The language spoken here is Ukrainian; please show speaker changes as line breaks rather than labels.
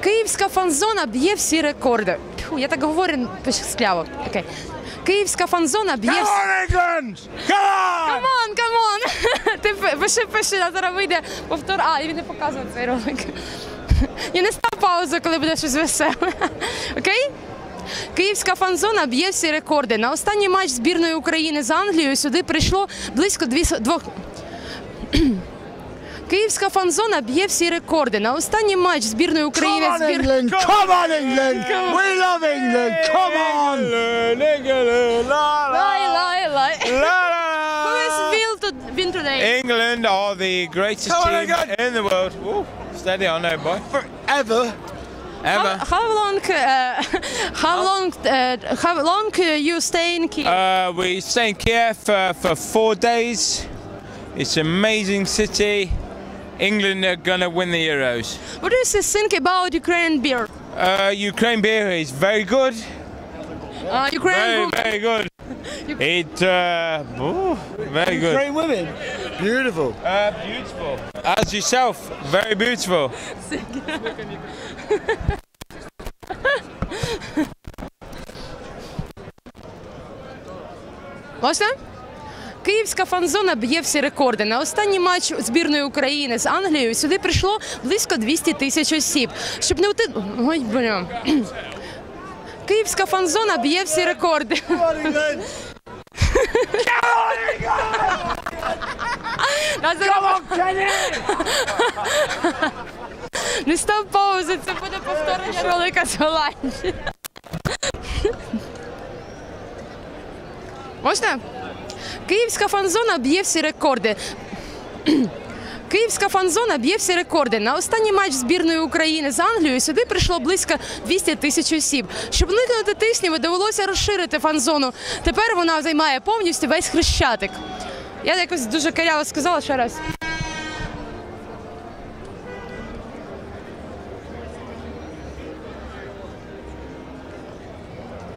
Київська фан-зона б'є всі рекорди. Фу, я так говорю скляво. Окей. Київська фан-зона б'є всі...
England! Come on!
Камон! Ти пиши, а зараз вийде повтор. А, він не показує цей ролик. Я не став паузу, коли буде щось веселе. Окей? Київська фан-зона б'є всі рекорди. На останній матч збірної України з Англією сюди прийшло близько 200... Київська фан-зона б'є всі рекорди. На останній матч збірної України...
Come on, England! Come on, England! We love England! Come on!
Lай.
La,
Who has been today?
England are the greatest team in the world. Ooh, steady on there, boy.
Forever.
Ever.
How long you stay in Kiev?
We stay in Kiev for 4 days. It's an amazing city. England are gonna win the Euros.
What do you think about Ukrainian beer?
Ukraine beer is very good.
Ukrainian
Very good. Very good.
Ukraine women. Beautiful.
Beautiful. As yourself, very beautiful.
Можна? Київська фан-зона б'є всі рекорди. На останній матч збірної України з Англією сюди прийшло близько 200 тисяч осіб. Щоб не ути... Ой, бля. Київська фан-зона б'є всі рекорди. Не став паузи, це буде повторення ролика з Голландії. Можна? Київська фан-зона б'є всі рекорди. Київська фан-зона б'є всі рекорди. На останній матч збірної України з Англією сюди прийшло близько 200 тисяч осіб. Щоб уникнути тиснів, довелося розширити фан-зону. Тепер вона займає повністю весь Хрещатик. Я якось дуже каряво сказала ще раз.